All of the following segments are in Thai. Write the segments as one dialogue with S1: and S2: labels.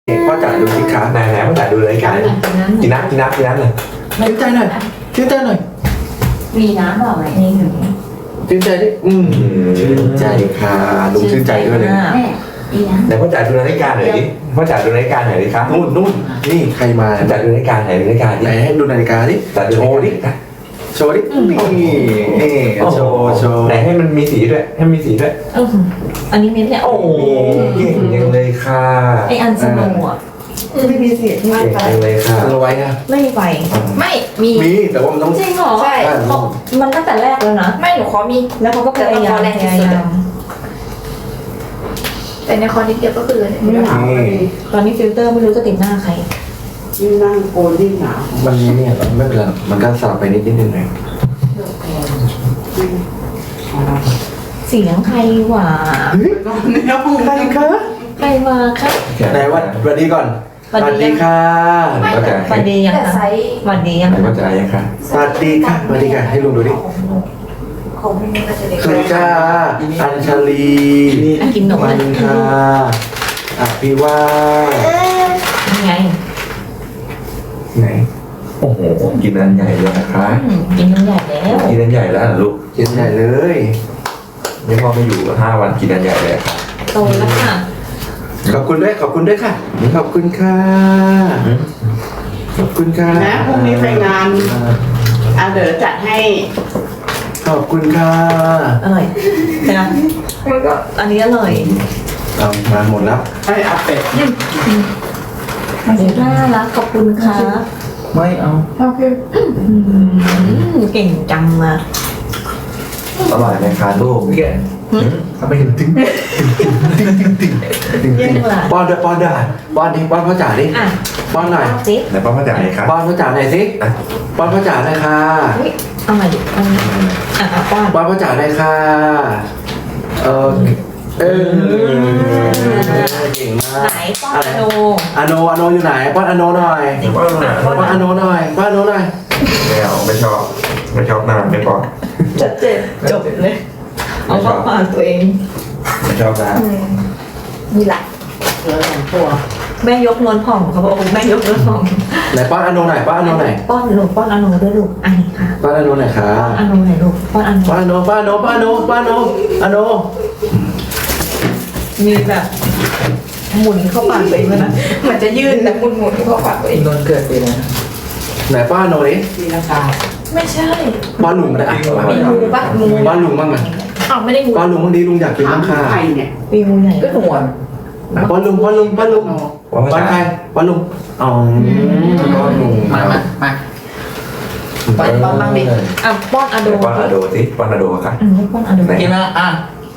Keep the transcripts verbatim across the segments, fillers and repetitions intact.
S1: พ่อจ๋าดูสิคะไหนไหนพ่อจ๋าดูรายการกินน้ำกินน้ำกินน้ำเลยชื่นใจหน่อยชื่นใจหน่อย
S2: มีน้ำเปล่าไหมนี่หนึ่ง
S1: ชื่นใจดิอืมชื่นใจค่ะลุงชื่นใจด้วยเลย
S2: แม่มีน้ำ
S1: ไหนพ่อจ๋าดูรายการหน่อยดิพ่อจ๋าดูรายการหน่อยดิครับนู่นนู่นนี่ใครมาพ่อจ๋าดูรายการไหนรายการดิไหนให้ดูนาฬิกาดิจ๋าดูโชว์ดิโชว์ดินี่นี่โชว์โชว์ไหนให้มันมีสีด้วยให้มีสีด้วย
S2: อันนี้เม็ดเนี่ยโอ้
S1: โอ้เก่งจังเลยค่ะ
S2: ไออันสโนว์อ่ะไม่มีเสียงมาก
S1: เก่ง
S2: ไป
S1: จังเลยค่ะเอาไว้นะ
S2: ไม่มีไฟไม่มี
S1: มีแต่ว่ามันต้อง
S2: จริงเหรอ
S3: ใช่
S2: เขามันตั้งแต่แรกแล้วนะ
S3: ไม่หนูขอมี
S2: แล้วเขาก็พยายามพยายาม
S3: แต่ในคอนิดเดียวก็คือเลย
S4: ไม่หนาวเลย
S2: ตอนนี้ฟิลเตอร์ไม่รู้จะติดหน้าใคร
S4: ยิ่งนั่งโกนยิ่งหนาว
S1: มันเนี่ยไม่เป็นไรมันก็สลับไปนิดนิดนึงหน่อย
S2: เสียงใครหว่า
S4: ก็ไม่ต้อง
S1: ใครคะ
S2: ใครมาคะ
S1: ไหนวัดสวัสดีก่อนสวัสดีค่ะ
S2: ก็จะสวัสดียัง
S3: แต่
S2: คะ
S3: ไซส์
S2: สวัสดียัง
S1: ไหนว่าจะอะไรยังคะสวัสดีค่ะสวัสดีค่ะให้ลุงดูดิ
S3: ของพี่นี่ก็จะเด็ก
S1: สุจ้าอัญชลี
S2: อ่ะกินหนม
S1: มั
S2: เลย
S1: นค่ะอภิวา
S2: ยังไง
S1: ไหนโอ้โหกินอันใหญ่เลยนะคะ
S2: อืมกินน้ำใหญ่แล้ว
S1: กินอันใหญ่แล้วเหรอลูกกินอันใหญ่เลยนี่พ่อไม่อยู่ห้าวันกินอันใหญ่เลยค่ะ
S2: โตแล้วค่ะ
S1: ขอบคุณด้วยขอบคุณด้วยค่ะขอบคุณค่ะขอบคุณค่ะ
S4: นะพรุ่งนี้ไปงานอาเด๋อจัดให้
S1: ขอบคุณค่ะ
S2: อร่อยนะ
S3: มันก็
S2: อันนี้อร่อย
S1: เอามาหมดแล้ว
S4: ให้อาเป็ด
S2: น่ารักขอบคุณค่ะ
S1: ไม่เอา
S4: โอเค
S2: อืมเก่งจังมา
S1: อร่อยไหมคะลูกเนี่ยทำไมถึงตึงตึงตึงตึงตึงตึง
S2: เยี่ยมเลย
S1: ป้อนด้วยป้อนด้วยป้อนดิป้อนพ่อจ๋าดิ
S2: อ่ะ
S1: ป้อนหน่อย
S2: สิ
S1: ไหนป้อนพ่อจ๋าหน่อยครับป้อนพ่อจ๋าหน่อยสิป้อนพ่อจ๋าหน่อยค่ะ
S2: เฮ้ยเอาใหม่ดิเอาใหม่อ่ะอ่ะป้อน
S1: ป้อนพ่อจ๋าหน่อยค่ะเออเออเก่งมา
S2: ไหน
S1: ก
S2: ป้อนอโน
S1: อโนอโนอยู่ไหนป้อนอโนหน่อย
S5: ป้อนหน่อย
S1: ป้อนอโนหน่อยป้อนอโนหน่อย
S5: ไม่เอาไม่ชอบไม่ชอบหน้าไม่ป้อน
S2: จะเจ็บจบเลย เอาเข้าปากตัวเอง
S5: ไม่ชอบหน้า
S3: มีหลาย
S4: เหลือสองตัว
S2: แม่ยกนวลผ่องเขาบอกแม่ยกนวลผ่อง
S1: ไหนป้อนอโนหน่อยป้อนอโนหน่อย
S2: ป้อนลูกป้อนอโนด้วยลูกอันนี้ค่ะ
S1: ป้อนอโนหน่อยค่ะ
S2: ป้อนอโนหน่อยลูกป้อนอโน
S1: ป้อนอโนป้อนอโนป้อนอโนป้อนอโนอโน
S2: มีแบบหมุนเข้าปากตัวเองเลยนะ
S3: มันจะยืดแต่หมุนหมุนๆเข้าปากตัวเอง
S5: นนเกิดปีนะ
S1: ไหนป้อนอโนดิ
S4: มีราคา
S2: ไม่ใช่
S1: ป้อนลุงก็ได้อ่ะ
S3: มีงูปะงู
S1: ป้อนลุงบ้างไหม
S3: อ้าวไม่ได้งู
S1: ป้อนลุงบ้างดิลุงอยากกิน
S4: ถาม
S1: บ้างค่ะ
S4: ใครเนี่ย
S2: มีงูใหญ่
S3: ก็หนวด
S1: ป้อนลุงป้อนลุงป้อนลุง
S5: ว่า
S1: ป้อนใครป้อนลุงอ๋อป้อนลุง
S4: มามามา ป้อนป้อนบ้างดิ
S2: อ่ะป้อนอโน
S5: ป้อนอะโดสิป้อนอะโดค่ะ
S2: อืมป้อนอโน
S5: ไหน
S4: กินมาอ่ะ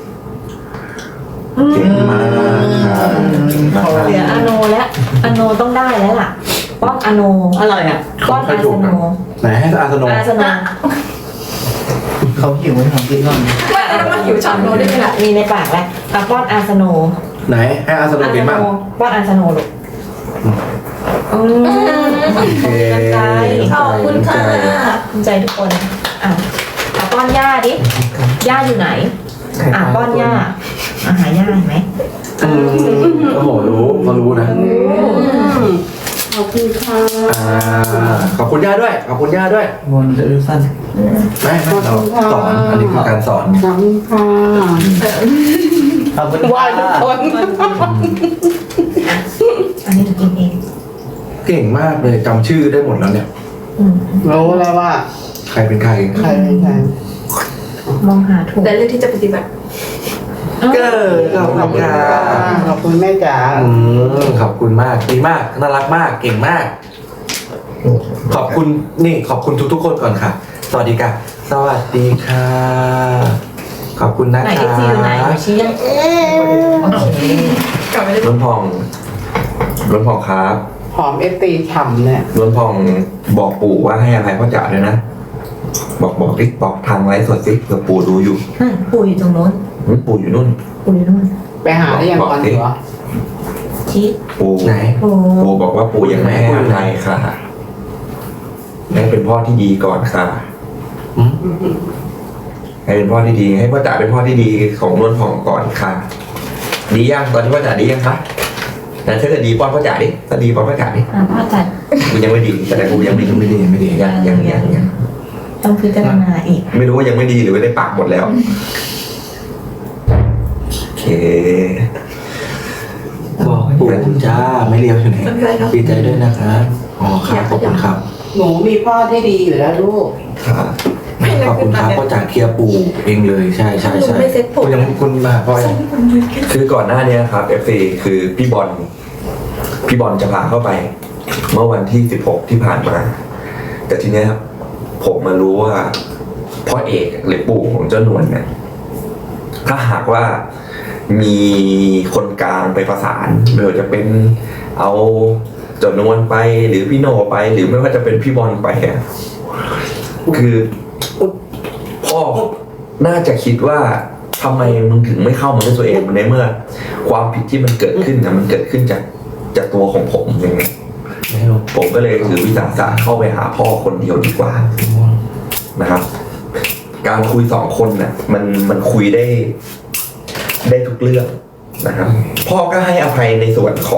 S5: เก่งมากค่ะมาก
S2: เหลืออโนแล้วอโนต้องได้แล้วล่ะ ป้อนอโนอร่อยอ่ะป้อนอาสโน
S1: ไหนให้อาสโน
S2: อาสโน
S4: เขาหิวของกินก่อน
S3: ไม่แล้วมันหิวช็อตโนได้ไหมล่ะ
S2: มีในปากแล้วอ่ะป้อนอาสโน
S1: ไหนให้อาสโน
S2: อา
S1: กิ
S2: ส
S1: น
S2: โน
S1: บ้าง
S2: ป้อนอาสโนลูกอืม
S1: โอเค
S2: ใจขอบคุณค่ะภูมิใจทุกคนอ่ะอ่ะป้อนย่าดิย่าอยู่ไหนอ่ะป้อนย่าอาหารย่าเห็นไหม
S1: อืมโอ้โหรู้เขารู้นะ
S4: ขอบคุณค่ะ
S1: อ่าขอบคุณย่าด้วยขอบคุณย่าด้วย
S5: วนจะดูสั้น
S1: ไม่ไม่เราสอนอันนี้คือการสอน
S4: ขอบคุณค่ะ
S5: ขอบคุณ
S3: วายทุกคน
S2: อันนี้จะกินเอง
S1: เก่งมากเลยจำชื่อได้หมดแล้วเนี่ย
S2: อืม
S4: รู้แล้วว่า
S1: ใครเป็นใคร
S4: ใครเป็นใคร
S2: มองหาถูก
S3: แต่เรื่องที่จะปฏิบัติ
S1: เกิดขอบคุณค่ะ
S4: ขอบคุณแม่จ๋า
S1: อืมขอบคุณมากดีมากน่ารักมากเก่งมาก ขอบคุณนี่ขอบคุณทุกๆคนก่อนค่ะ สวัสดีค่ะ สวัสดีค่ะ ขอบคุณนะ
S2: ไหน
S1: คะ
S2: เอฟซีอยู่ไหนเดี๋ยวชี้ยังโอเค
S3: กลับไม่ได้
S5: ล้นพองล้นพองครับ
S4: หอมเอสตีฉ่ำเนี่ย
S5: ล้นพองบอกปู่ว่าให้อภัยพ่อจ๋าด้วยนะบอกบอกดิบอกทางไลฟ์สดสิเผื่อปู่ดูอยู่
S2: นั่นปู่อยู่ตรงโน้น
S5: หึปู่อยู่นู่น
S2: ปู่อยู่นู่น
S4: ไปหาได้ยังก่อนเหรอ
S2: ชี้
S5: ปู่
S1: ไหน
S2: ปู่
S5: ปู่บอกว่าปู่ยังไม่ให้อภัยค่ะให้เป็นพ่อที่ดีก่อนค่ะ
S1: อืม
S5: ให้เป็นพ่อที่ดีให้พ่อจ๋าเป็นพ่อที่ดีของล้วนผ่องก่อนค่ะ ดียังตอนนี้พ่อจ๋าดียังคะแต่ถ้าเกิดดีป้อนพ่อจ๋าดิถ้าดีป้อนพ่อจ๋าดิ
S2: อ่ะพ่อจัด
S5: กูยังไม่ดีแต่กูยังไม่ไม่ดีไม่ดียังยังยังยัง
S2: ต้องพิจารณาอีก
S5: ไม่รู้ว่ายังไม่ดีหรือว่าได้ปากหมดแล้วโอเค
S1: บอกปู่จ้าไม่เลี้ยวอยู่ไหน
S3: ไม่เป็นไรครับ
S1: ดีใจด้วยนะครับอ๋อครับขอบคุณครับ
S4: หนูมีพ่อที่ดีอยู่แล้วลูก
S5: ครับ
S1: ไม่ขอบคุณครับพ่อจ๋าเคลียร์ปู่เองเลยใช่ใช่
S3: หนู
S1: ใช่
S3: ไม่เซ็ตผม
S1: คุณยังคุณมาพ่อยัง
S5: คือก่อนหน้านี้ครับ เอฟ ซี คือพี่บอลพี่บอลจะพาเข้าไป เมื่อวันที่สิบหกที่ผ่านมา แต่ทีเนี้ยผมมารู้ว่าพ่อเอกหรือปู่ของเจ้านวลเนี่ยถ้าหากว่ามีคนกลางไปประสานไม่ว่าจะเป็นเอาเจ้านวลไปหรือพี่โนไป หรือไม่ว่าจะเป็นพี่บอลไปอะคือพ่อน่าจะคิดว่าทำไมมึงถึงไม่เข้ามาด้วยตัวเองในเมื่อ ความผิดที่มันเกิดขึ้นนะมันเกิดขึ้นจากจากตัวของผมเองผมก็เลยถือวิสาสะเข้าไปหาพ่อคนเดียวดีกว่านะครับ การคุยสองคนน่ะมันมันคุยได้ได้ทุกเรื่องนะครับ พ่อก็ให้อภัยในส่วนของ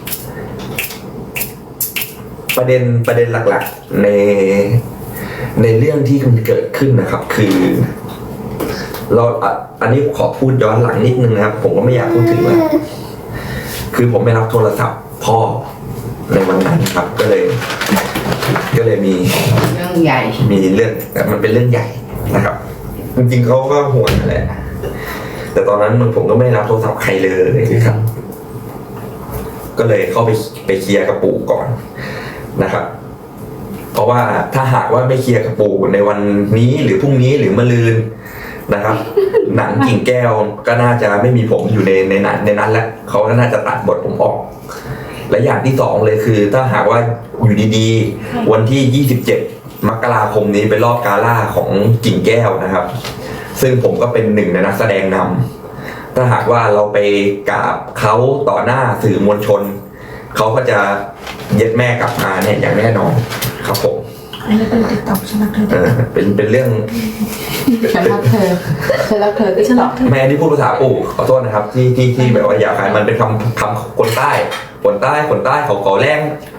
S5: ประเด็นประเด็นหลักๆในในเรื่องที่มันเกิดขึ้นนะครับ คือเราอ่ะอันนี้ขอพูดย้อนหลังนิดนึงนะครับ ผมก็ไม่อยากพูดถึงว่าคือผมไม่รับโทรศัพท์พ่อในวันนั้นครับ ก็เลย ก็เลยมี
S4: เรื่องใหญ่
S5: มีเรื่องแต่มันเป็นเรื่องใหญ่นะครับ จริงๆเขาก็ห่วงนั่นแหละแต่ตอนนั้นมันผมก็ไม่รับโทรศัพท์ใครเลยครับ ก็เลยเข้าไปไปเคลียร์กับปู่ก่อนนะครับ เพราะว่าถ้าหากว่าไม่เคลียร์กับปู่ในวันนี้หรือพรุ่งนี้หรือมะรืนนะครับ หนังกิ่งแก้วก็น่าจะไม่มีผมอยู่ในในนั้นในนั้นแล้วเขาก็น่าจะตัดบทผมออก และอย่างที่สองเลยคือ ถ้าหากว่าอยู่ดีๆวันที่ยี่สิบเจ็ดมกราคมนี้เป็นรอบกาล่าของกิ่งแก้วนะครับ ซึ่งผมก็เป็นหนึ่งในนักแสดงนำถ้าหากว่าเราไปกราบเขาต่อหน้าสื่อมวลชนเขาก็จะเย็ดแม่กลับมาเนี่ยอย่างแน่นอนครับผม
S2: อันนี้เป็นติ๊กต็อกฉันรักเธอ
S5: เออเป็นเป็นเรื่อง
S4: ฉันรักเธอฉันรักเธอที่ตอบ
S5: แม่ที่พูดภาษาปู่ขอโทษนะครับ ที่ที่ที่แบบว่าอยากให้มันเป็นคำคำคนใต้คนใต้คนใต้เขาขอแรง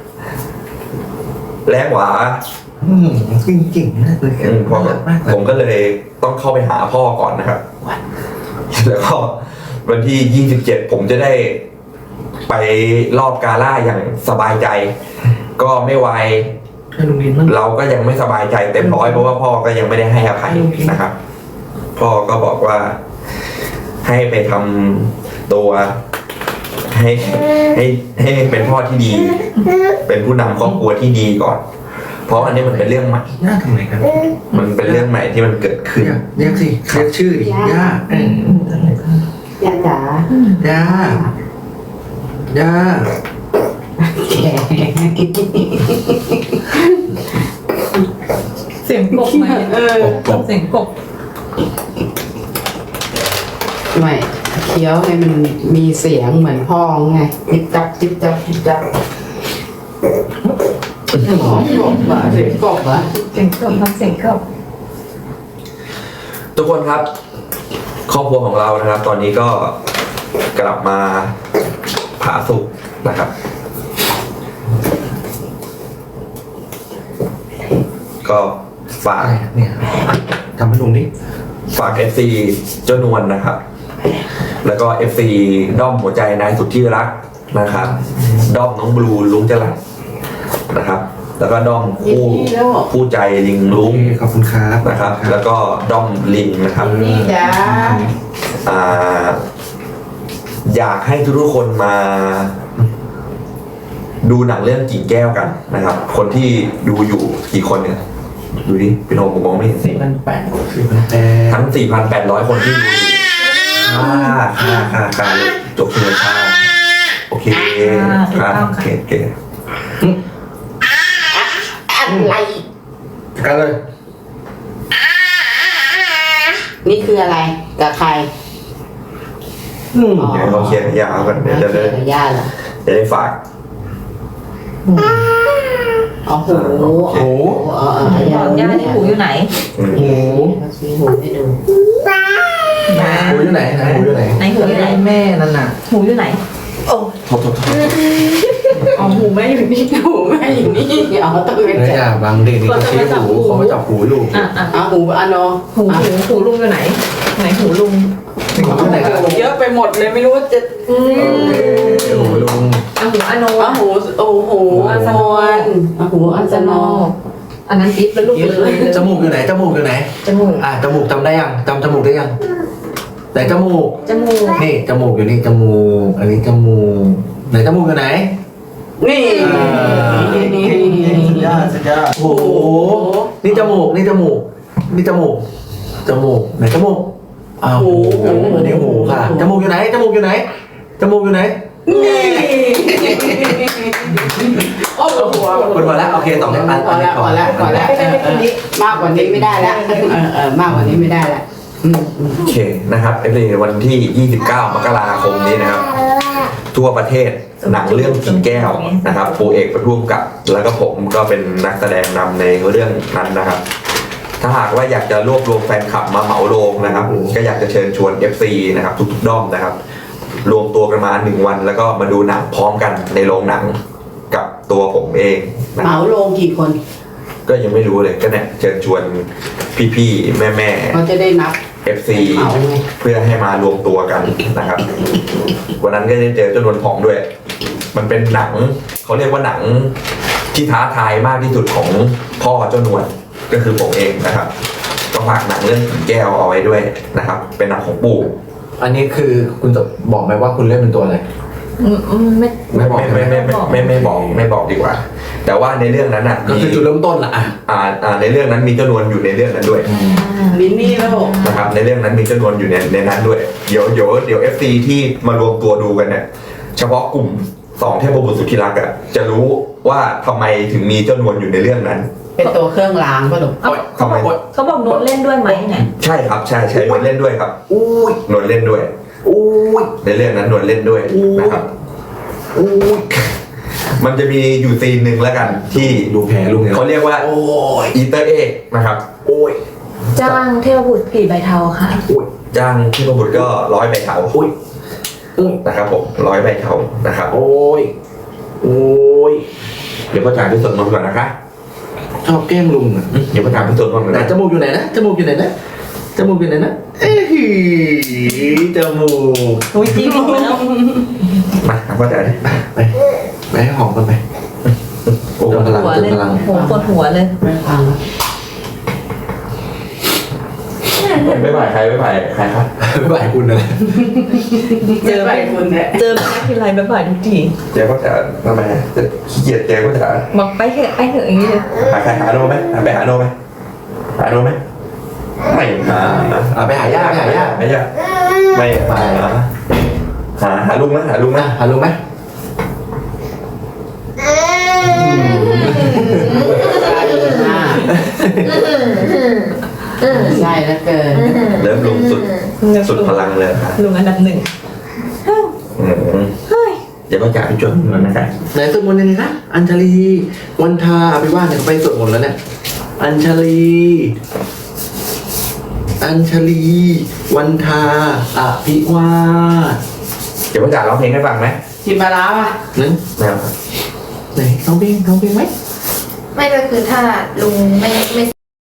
S5: แรงหวา
S1: อืมจริงจริงๆมากเลย
S5: อืมเพราะ
S1: มากเล
S5: ผม
S1: ย
S5: ก็เลยต้องเข้าไปหาพ่อก่อนนะครับ แล้วก็วันที่ยี่สิบเจ็ดผมจะได้ไปรอบกาล่าอย่างสบายใจ ก็ไม่ไว
S1: ให้ลุงดินมั่ง
S5: เราก็ยังไม่สบายใจเต็มร้อยเพราะว่าพ่อก็ยังไม่ได้ให้อภัยนะครับ พ่อก็บอกว่าให้ไปทำตัวให้ให้ให้เป็นพ่อที่ดี เป็นผู้นำครอบครัวที่ดีก่อน เพราะอันนี้มันเป็นเรื่องใหม่
S1: ย่าทำไมกัน
S5: มันเป็นเรื่องใหม่ที่มันเกิดขึ้น
S1: เรียกเรียกสิเรียกชื่อดิย่าเออย่
S4: าจ๋า
S1: ย่าย่า
S2: เสียงกบไหม
S4: เออ
S1: กบ
S2: เสียงกบ
S4: ไม่เคี้ยวให้มันมีเสียงเหมือนพ่อไงจิบจับจิบจับจิบจับอ๋อกบเหรอเสียงกบเหรอ
S2: เสียงกบทำเสียงกบ
S5: ทุกคนครับ ครอบครัวของเรานะครับ ตอนนี้ก็กลับมาผาสุกนะครับ ก็ฝาก
S1: อะไรเนี่ยทำให้ลุงดิ
S5: ฝาก เอฟ ซี เจ้านวลนะครับ แล้วก็ เอฟ ซี ด้อมหัวใจนายสุดที่รักนะครับ ด้อมน้องบลูลุงจรัสนะครับ แล้วก็ด้อมคู่คู่ใจลิงลุง
S1: ขอบคุณครับ
S5: นะครับ แล้วก็ด้อมลิงนะครับ
S4: นี่จ้า
S5: อ่าอยากให้ทุกๆคนมา ดูหนังเรื่องกิ่งแก้วกันนะครับ คนที่ดูอยู่กี่คนเนี่ย ดูดิพี่โนผมมองไม่เห็นสิ
S1: สี่พันแปดสี่พันแปด
S5: ทั้ง สี่พันแปดร้อย คนที่ดูอยู่ค่าค่าค่าค่าจบเลยค่าโอเคค่าโอเคโอเค
S4: อะไร
S1: กันเลย
S4: นี่คืออะไรกับใคร
S1: อืม
S5: เดี๋ยวเขาเคลียร์ยาวกันเดี๋ยวจะได้
S4: ย่าเหรอ
S5: จะได้ฝาก
S4: อ๋อหู
S5: โอเค
S1: โอ้
S4: อ๋ออ๋อย่า
S2: ย่าที่หูอยู่ไหน
S5: อืม
S1: โห
S4: เขาชี้หูให้ดู
S1: หูอยู่ไหนนะหูอยู่ไหน
S2: ไหนหูอยู่ไหน
S1: แม่นั่นน่ะ
S2: หูอยู่ไหน
S3: โอ้
S5: โทษโทษโทษ
S2: อ๋อหูแม่อยู่นี่
S4: หูแม่อยู่นี่เอาต้องเป็น
S1: ไม่
S4: แจ
S1: อยากบางเด็กนี่เขาชี้หูเขามาจับหูลูก
S2: อ่ะอ่ะ
S4: เอาหูอันโน
S2: หูหูหูลุงอยู่ไหน ไหนหูลุง
S1: หูไหนครับ
S4: เยอะไปหมดเลยไม่รู้ว่าจะ
S2: อืม
S1: หูลุง
S2: อ่ะหูอโน
S4: เอาหูโอ้โหอันนอนเอาหูอันจะนอ
S2: อันนั้นติ๊บแล้วลูกเลย
S1: จมูกอยู่ไหนจมูกอยู่ไหน
S2: จมูก
S1: อ่ะจมูกจำได้ยังจำจมูกได้ยังไหนจมูก
S2: จมูก
S1: นี่จมูกอยู่นี่จมูกอันนี้จมูกไหนจมูกอยู่ไหน
S4: นี่นี่
S1: สุดยอดสุดยอดโอ้โหนี่จมูกนี่จมูกนี่จมูกจมูกไหนจมูกอ้าวหูอันนี้หูค่ะจมูกอยู่ไหนจมูกอยู่ไหนจมูกอยู่ไหน
S4: นี่โอ้โห
S1: หมดหมดแล้วโอเคต่อไปอัน
S4: พอแล้วพอแล้วพอแล้วมากกว่านี้ไม่ได้แล้วเออเออมากกว่านี้ไม่ได้แล้ว
S5: โอเคนะครับเอฟซีวันที่ ยี่สิบเก้ามกราคมนี้นะครับ ทั่วประเทศหนังเรื่องผีแก้วนะครับปูเอกประทุ่มกับ แล้วก็ผมก็เป็นนักแสดงนำในเรื่องนั้นนะครับ ถ้าหากว่าอยากจะรวบรวมแฟนคลับมาเหมาโรงนะครับ ก็อยากจะเชิญชวน เอฟ ซี นะครับทุกๆด้อมนะครับ รวมตัวกันมาหนึ่งวันแล้วก็มาดูหนังพร้อมกันในโรงหนังกับตัวผมเองนะ
S4: เห
S5: ค
S4: มา
S5: รับ
S4: ลงกี่คน
S5: ก็ยังไม่รู้เลยก็เนี่ยเชิญชวนพี่ๆแม่
S4: เขาจะได้นับ
S5: ๆ เอฟ ซี
S4: เหมาไง
S5: เพื่อให้มารวมตัวกันนะครับ วันนั้นก็ได้เจอเจ้านวลผองด้วย มันเป็นหนังเขาเรียกว่าหนังที่ท้าทายมากที่สุดของพ่อเจ้านวลก็คือผมเองนะครับก็ฝากหนังเรื่องผีแก้วเอาไว้ด้วยนะครับ เป็นหนังของปู่
S1: อันนี้คือคุณจะบอกไหมว่าคุณเล่นเป็นตัวอะไร
S2: อืมอืมไม่
S1: ไม่บอก
S5: ไม่ไม่ไม่ไม่ไม่บอกไม่บอกดีกว่า แต่ว่าในเรื่องนั้นอ่ะ
S1: ก็คือจุดเริ่มต้นละอ่ะ
S5: อ่าอ่าในเรื่องนั้นมีเจ้านวลอยู่ในเรื่องนั้นด้วย
S4: มินนี่แล้ว
S5: นะครับในเรื่องนั้นมีเจ้านวลอยู่ในในนั้นด้วยเดี๋ยวเดี๋ยวเดี๋ยวเอฟซีที่มารวมตัวดูกันเนี่ยเฉพาะกลุ่มสองเทพบุตรสุดที่รักอ่ะจะรู้ว่าทำไมถึงมีเจ้านวลอยู่ในเรื่องนั้น
S4: เป็นตัวเครื่องรางป่ะลูก
S2: เอ้า
S5: ทำไม
S2: เขาบอกโน้ตเล่นด้วยไหมเนี่ย
S5: ใช่ครับใช่ใช่นวลเล่นด้วยครับ
S1: อุ้ย
S5: นวลเล่นด้วย
S1: อุ้ย
S5: ในเรื่องนั้นนวลเล่นด้วยนะครับ
S1: อุ้ย
S5: มันจะมีอยู่ซีนหนึ่งแล้วกันที่
S1: ดูแผลลุงเนี่ย
S5: เขาเรียกว่า
S1: โอ้ย
S5: อีเตอร์เอ็กนะครับ
S1: โอ้ย
S2: จ้างเทพบุตรผีใบเทาค่ะ
S1: อุ้ย
S5: จ้างที่ประบุตรก็ร้อยใบเถา
S1: อุ้ยอุ้ย
S5: นะครับผมร้อยใบเถานะครับ
S1: โอ้ยโอ้ย
S5: เดี๋ยวพ่อจ่ายพิสูจน์นนท์ก่อนนะคะ
S1: ชอบแกล้งลุงอ่ะ
S5: เดี๋ยวพ่อจ่ายพิสูจน์นนท์ก่อน
S1: ไหน
S5: นะ
S1: จมูกอยู่ไหนนะจมูกอยู่ไหนนะจมูกอยู่ไหนนะเอ้ยจมูก
S2: อุ้ยจริงไปแล้ว
S5: มาพ่อจ่ายดิ
S1: ไปไปให้หอมกันไป
S5: โอ้
S1: เติมพลัง
S2: หัว
S1: เติม
S2: เลย
S1: พลัง
S2: ผมปวดหัวเลย
S4: ไม่ฟัง
S5: ไม่ไหวใครไม่ไหวใครครับ
S1: ไม่ไหวคุณนะ
S2: เจอ
S4: ไปคุณเนี่ย
S2: เจอแม่ทีไรแบบบ่ายทุกที
S5: เจ๊พ่อจ่ายทำไมจะขี้เกียจเจ๊พ่อจ่าย
S2: บอกไปเถอะไปเถอะอย่างนี้เลย
S5: หาใครหาโนไหมหาไปหาโนไหมหาโนไหมไม่หา
S1: อ่ะไปหาย่าไปหาย่า
S5: ไม่ยากไม่หาหาหาลุงไหมหาลุงไหม
S1: อ่ะหาลุงไหม
S4: ใช่แล้วเกิน
S5: เริ่มลุงสุดสุดพลังเลยค่ะ
S2: ลุงอันดับหนึ่ง
S5: อืม
S2: เฮ้ย
S5: เดี๋ยวพ่อจ่ายไปจดเงินนะครับ
S1: ไหนสวดมนต์ยังไงนะอัญชลีวันทาไปว่าเนี่ยเขาไปสวดมนต์แล้วเนี่ยอัญชลีอัญชลีวันทาอภิวาท
S5: เดี๋ยวพ่อจ่ายร้องเพลงให้ฟังไหม
S4: ชิมปลาร้าป่ะ
S1: นั้น
S5: ไม่เอาครับ
S1: ไหนร้องเพลงร้องเพลงไหม
S3: ไม่ก็คือถ้าลุงไม่ไม่